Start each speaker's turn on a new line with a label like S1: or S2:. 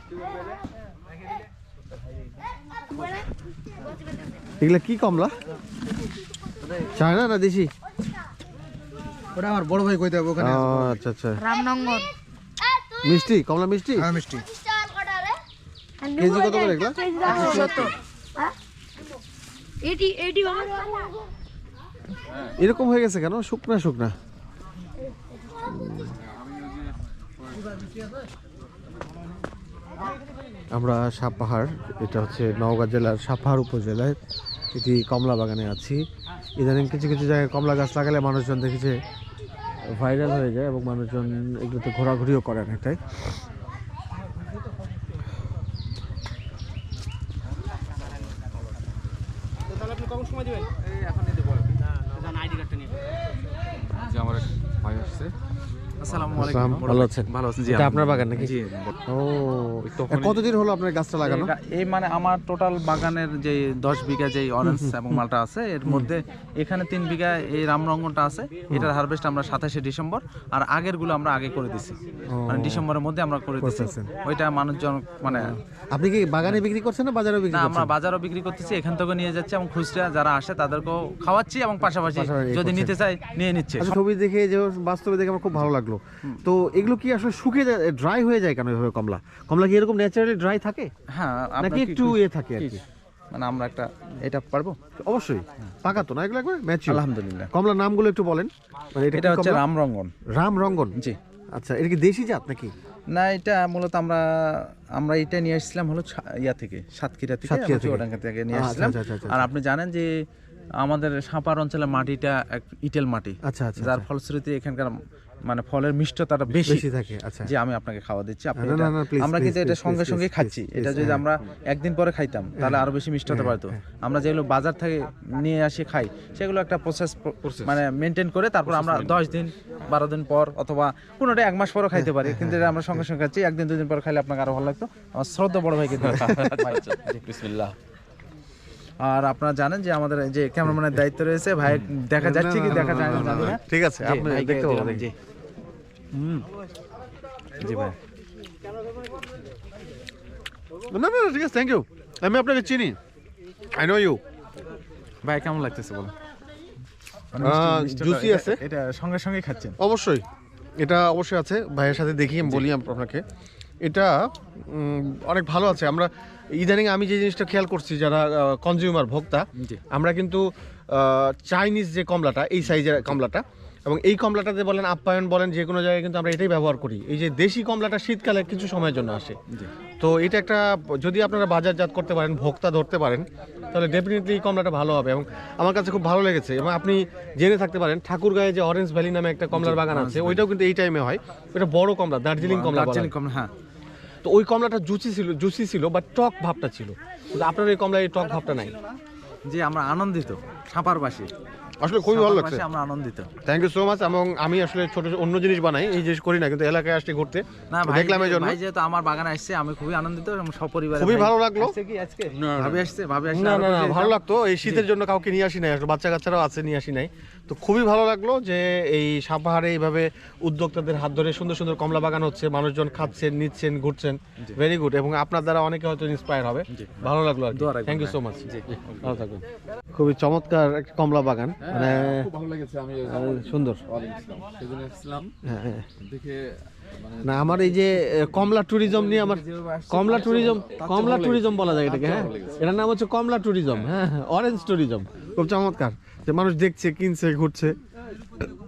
S1: এগুলা কি কমলা? চায়না না দেশি?
S2: ওটা আমার বড় ভাই কইতে হবে ওখানে।
S1: আচ্ছা আচ্ছা।
S3: রামনগর
S1: মিষ্টি কমলা মিষ্টি?
S2: হ্যাঁ মিষ্টি।
S1: কেজি কত করে এগুলা?
S3: 170। এটি
S1: এরকম হয়ে গেছে কেন? শুকনা শুকনা। আমরা সাপাহার, এটা হচ্ছে নওগাঁ জেলার সাপাহার উপজেলায় এটি কমলা বাগানে আছি। ইদানিং কিছু কিছু জায়গায় কমলা গাছ লাগালে মানুষজন দেখেছে ভাইরাল হয়ে যায় এবং মানুষজন এগুলোতে ঘোরাঘুরিও করে অনেকটাই।
S4: আমার ভাই আসছে।
S1: আসসালামু আলাইকুম, ভালো আছেন?
S4: ভালো আছেন? জি,
S1: এটা আপনার বাগান নাকি?
S4: জি।
S1: ও, কতদিন হলো আপনার গাছটা লাগানো?
S4: এই মানে আমার টোটাল বাগানের যে 10 বিঘা যে অরেঞ্জ এবং মালটা আছে, এর মধ্যে এখানে 3 বিঘা এই রামরঙ্গনটা আছে। এটার হারভেস্ট আমরা 27শে ডিসেম্বর, আর আগের গুলো আমরা আগে করে দিছি, মানে ডিসেম্বরের মধ্যে আমরা করে দিছি। ওইটা মানুষজন মানে।
S1: আপনি কি বাগানে বিক্রি করছেন না বাজারে বিক্রি
S4: না,
S1: করছেন?
S4: আমরা বাজারও বিক্রি করতেছি, এখান থেকে নিয়ে যাচ্ছি এবং খুচরা যারা আসে তাদেরকেও খাওয়াচ্ছি এবং পাশাপাশি যদি নিতে চাই নিয়ে নিচ্ছে।
S1: ছবি দেখে যে বাস্তবে দেখে আমার খুব ভালো লাগলো। তো এগুলো কি আসলে শুকিয়ে যায়, ড্রাই হয়ে যায় কেন এভাবে? কমলা কমলা কি এরকম ন্যাচারালি ড্রাই থাকে
S4: হ্যাঁ,
S1: নাকি একটু থাকে আর কি?
S4: মানে আমরা একটা এটা পারবো
S1: অবশ্যই পাকা তো না এগুলো একবার ম্যাচিউর।
S4: আলহামদুলিল্লাহ।
S1: কমলার নামগুলো একটু বলেন। মানে
S4: এটা হচ্ছে রামরঙ্গন।
S1: রামরঙ্গন,
S4: জি।
S1: আচ্ছা, এটা কি দেশি জাত নাকি?
S4: না, এটা মূলত আমরা এটা নিয়ে আসছিলাম হলো ইয়া থেকে, সাতক্ষীরা থেকে, চুয়াডাঙ্গা থেকে নিয়ে আসছিলাম। আর আপনি জানেন যে আমাদের সাপার অঞ্চলের মাটিটা এক ইটেল মাটি,
S1: আচ্ছা আচ্ছা,
S4: যার ফলশ্রুতি এখানকার মানে ফলের মিষ্টতাটা বেশি
S1: থাকে। আচ্ছা,
S4: যে আমি আপনাকে খাওয়া দিচ্ছি, আপনি
S1: না, না, please,
S4: আমরা কিন্তু
S1: please,
S4: এটা
S1: please,
S4: সঙ্গে
S1: please,
S4: সঙ্গে
S1: please,
S4: খাচ্ছি।
S1: please,
S4: এটা যদি আমরা একদিন পরে খাইতাম তাহলে আরো বেশি মিষ্ট হতে পারতো। আমরা যেগুলো বাজার থেকে নিয়ে আসি খাই, সেগুলো একটা প্রসেস মানে মেনটেন করে তারপর আমরা 10 দিন 12 দিন পর অথবা কোনোটা 1 মাস পরও খাইতে পারি, কিন্তু এটা আমরা সঙ্গে সঙ্গে খাচ্ছি। একদিন 2 দিন পর খাইলে আপনাকে আরো ভালো লাগতো। আমার শ্রদ্ধা বড় ভাই কিন্তু বিসমিল্লাহ। আর আপনারা জানেন যে আমাদের যে ক্যামেরাম্যানের দায়িত্ব রয়েছে, ভাই দেখা যাচ্ছে কি দেখা যায় না জানি না।
S1: ঠিক আছে, আপনি দেখতে পাবেন।
S4: জি জি ভাই।
S1: না না ঠিক আছে, থ্যাংক ইউ। আমি আপনাকে চিনি, আই নো ইউ।
S4: ভাই কেমন লাগতেছে বলো?
S1: জুসি আছে,
S4: এটা সঙ্গে সঙ্গে খাচ্ছেন?
S1: অবশ্যই, এটা অবশ্যই আছে। ভাইয়ের সাথে দেখি আমি বলি আপনাকে, এটা অনেক ভালো আছে। আমরা ইদানিং আমি যে জিনিসটা খেয়াল করছি, যারা কনজিউমার ভোক্তা, আমরা কিন্তু চাইনিজ যে কমলাটা, এই সাইজের কমলাটা এবং এই কমলাটাতে বলেন আপ্যায়ন বলেন যে কোনো জায়গায় কিন্তু আমরা এটাই ব্যবহার করি। এই যে দেশি কমলাটা শীতকালে কিছু সময়ের জন্য আসে, তো এটা একটা যদি আপনারা বাজারজাত করতে পারেন, ভোক্তা ধরতে পারেন, তাহলে ডেফিনেটলি এই কমলাটা ভালো হবে এবং আমার কাছে খুব ভালো লেগেছে। এবং আপনি জেনে থাকতে পারেন ঠাকুরগাঁয়ে যে অরেঞ্জ ভ্যালি নামে একটা কমলার বাগান আছে, ওইটাও কিন্তু এই টাইমে হয়। এটা বড় কমলা, দার্জিলিং কমলা।
S4: হ্যাঁ,
S1: তো ওই কমলাটা জুসি ছিল বা টক ভাবটা ছিল, কিন্তু আপনার এই কমলায় এই টক ভাবটা নাই।
S4: জি, আমরা আনন্দিত সাপারবাসী,
S1: আসলে খুবই ভালো লাগছে,
S4: আমরা আনন্দিত।
S1: Thank you so much. এবং আমি আসলে ছোট অন্য জিনিস বানাই, এই জিনিস করি না, কিন্তু এলাকায় আসতে ঘুরতে দেখলাম এই জন্য।
S4: ভাই যেহেতু আমার বাগানে আসছে, আমি খুবই আনন্দিত এবং সপরিবারে
S1: খুবই ভালো লাগলো।
S4: ভাবি আসছে
S1: না না না, ভালো লাগতো। এই শীতের জন্য কাউকে নিয়ে আসি নাই, আসলে বাচ্চা কাচ্চারাও আছে, নিয়ে আসি নাই। তো খুবই ভালো লাগলো যে এই সাপাহারে এইভাবে উদ্যোক্তাদের হাত ধরে সুন্দর সুন্দর কমলা বাগান হচ্ছে, মানুষজন খাচ্ছেন, নিচ্ছেন, ঘুরছেন, ভেরি গুড। এবং আপনার দ্বারা অনেকে হয়তো ইন্সপায়ার হবে, ভালো লাগলো আর কি। থ্যাংক ইউ সো মাচ, ভালো থাকবেন। খুবই চমৎকার একটা কমলা বাগান, মানে
S5: ভালো লেগেছে। আমি
S1: সুন্দর
S5: সেদিন এসেছিলাম দেখে,
S1: না আমার এই যে কমলা ট্যুরিজম নিয়ে আমার কমলা ট্যুরিজম বলা যায় এটাকে। হ্যাঁ, এটার নাম হচ্ছে কমলা ট্যুরিজম। হ্যাঁ, অরেঞ্জ ট্যুরিজম। খুব চমৎকার যে মানুষ দেখছে, কিনছে, ঘুরছে।